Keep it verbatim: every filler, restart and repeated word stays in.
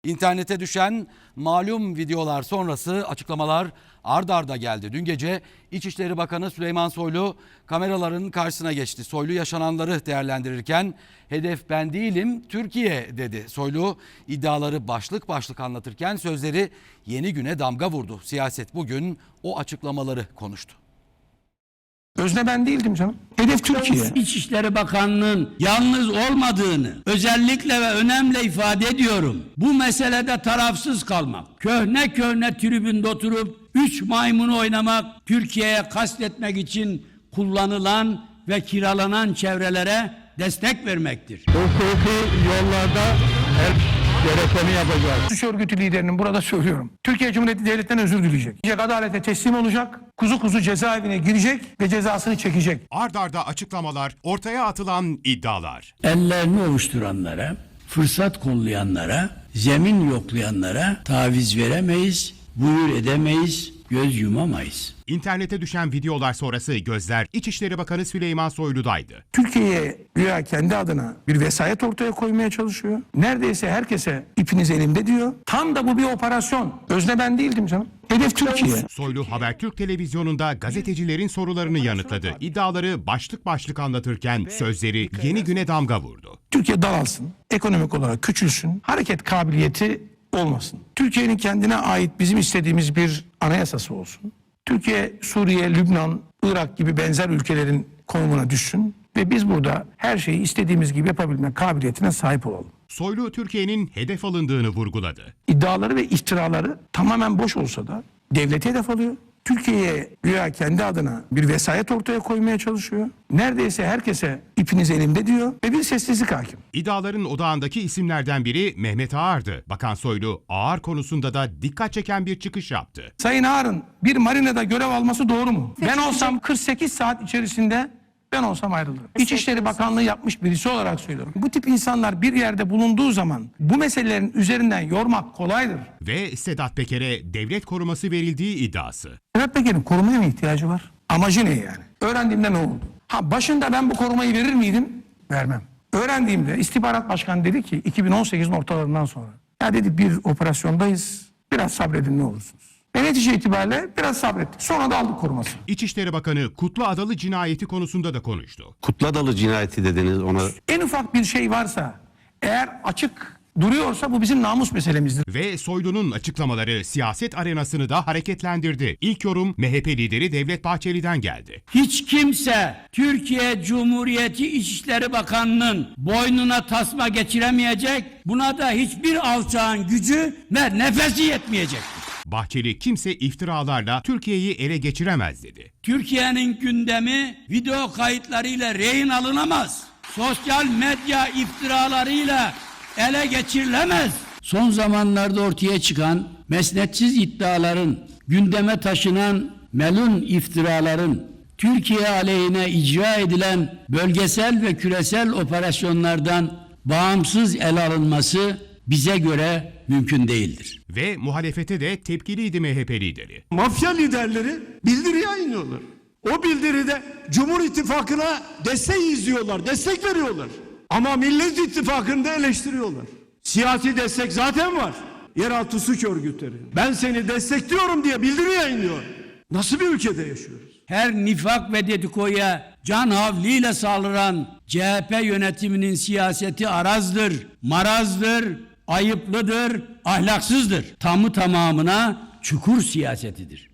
İnternete düşen malum videolar sonrası açıklamalar ard arda geldi. Dün gece İçişleri Bakanı Süleyman Soylu kameraların karşısına geçti. Soylu yaşananları değerlendirirken hedef ben değilim Türkiye dedi. Soylu iddiaları başlık başlık anlatırken sözleri yeni güne damga vurdu. Siyaset bugün o açıklamaları konuştu. Özne ben değildim canım. Hedef Türkiye. İçişleri Bakanlığı'nın yalnız olmadığını özellikle ve önemli ifade ediyorum. Bu meselede tarafsız kalmak, köhne köhne tribünde oturup üç maymunu oynamak, Türkiye'ye kastetmek için kullanılan ve kiralanan çevrelere destek vermektir. Hukuki yollarda her gerekeni yapacağız. Suç örgütü liderinin burada söylüyorum. Türkiye Cumhuriyeti Devleti'nden özür dileyecek. Adalete teslim olacak, kuzu kuzu cezaevine girecek ve cezasını çekecek. Ard arda açıklamalar, ortaya atılan iddialar. Ellerini ovuşturanlara, fırsat kollayanlara, zemin yoklayanlara taviz veremeyiz, buyur edemeyiz, göz yumamayız. İnternete düşen videolar sonrası gözler İçişleri Bakanı Süleyman Soylu'daydı. Türkiye'ye güya kendi adına bir vesayet ortaya koymaya çalışıyor. Neredeyse herkese ipiniz elimde diyor. Tam da bu bir operasyon. Özne ben değildim canım. Hedef Türkiye. Soylu Habertürk televizyonunda gazetecilerin sorularını yanıtladı. İddiaları başlık başlık anlatırken sözleri yeni güne damga vurdu. Türkiye daralsın, ekonomik olarak küçülsün, hareket kabiliyeti olmasın. Türkiye'nin kendine ait bizim istediğimiz bir anayasası olsun. Türkiye, Suriye, Lübnan, Irak gibi benzer ülkelerin konumuna düşsün ve biz burada her şeyi istediğimiz gibi yapabilme kabiliyetine sahip olalım. Soylu Türkiye'nin hedef alındığını vurguladı. İddiaları ve iftiraları tamamen boş olsa da devlete hedef alıyor. Türkiye'ye güya kendi adına bir vesayet ortaya koymaya çalışıyor. Neredeyse herkese ipiniz elimde diyor ve bir sessizlik hakim. İddiaların odağındaki isimlerden biri Mehmet Ağar'dı. Bakan Soylu Ağar konusunda da dikkat çeken bir çıkış yaptı. Sayın Ağar'ın bir marinada görev alması doğru mu? Ben olsam kırk sekiz saat içerisinde ben olsam ayrılırım. İçişleri Bakanlığı yapmış birisi olarak söylüyorum. Bu tip insanlar bir yerde bulunduğu zaman bu meselelerin üzerinden yormak kolaydır. Ve Sedat Peker'e devlet koruması verildiği iddiası. Sedat Peker'in korumaya mı ihtiyacı var? Amacı ne yani? Öğrendiğimde ne oldu? Ha başında ben bu korumayı verir miydim? Vermem. Öğrendiğimde istihbarat başkanı dedi ki iki bin on sekizin ortalarından sonra. Ya dedi bir operasyondayız. Biraz sabredin ne olursunuz. Ve netice itibariyle biraz sabrettik. Sonra da aldık koruması. İçişleri Bakanı Kutlu Adalı cinayeti konusunda da konuştu. Kutlu Adalı cinayeti dediniz ona. En ufak bir şey varsa eğer açık duruyorsa bu bizim namus meselemizdir. Ve Soylu'nun açıklamaları siyaset arenasını da hareketlendirdi. İlk yorum M H P lideri Devlet Bahçeli'den geldi. Hiç kimse Türkiye Cumhuriyeti İçişleri Bakanlığı'nın boynuna tasma geçiremeyecek, buna da hiçbir alçağın gücü ve nefesi yetmeyecek. Bahçeli kimse iftiralarla Türkiye'yi ele geçiremez dedi. Türkiye'nin gündemi video kayıtlarıyla rehin alınamaz. Sosyal medya iftiralarıyla ele geçirilemez. Son zamanlarda ortaya çıkan mesnetsiz iddiaların, gündeme taşınan melun iftiraların, Türkiye aleyhine icra edilen bölgesel ve küresel operasyonlardan bağımsız ele alınması bize göre mümkün değildir. Ve muhalefete de tepkiliydi M H P lideri. Mafya liderleri bildiri yayınlıyorlar. O bildiride Cumhur İttifakı'na destek izliyorlar, destek veriyorlar. Ama Millet İttifakı'nı da eleştiriyorlar. Siyasi destek zaten var. Yeraltı suç örgütleri. Ben seni destekliyorum diye bildiri yayınlıyor. Nasıl bir ülkede yaşıyoruz? Her nifak ve dedikoya can havliyle saldıran C H P yönetiminin siyaseti arazdır, marazdır, ayıplıdır, ahlaksızdır. Tamı tamamına çukur siyasetidir.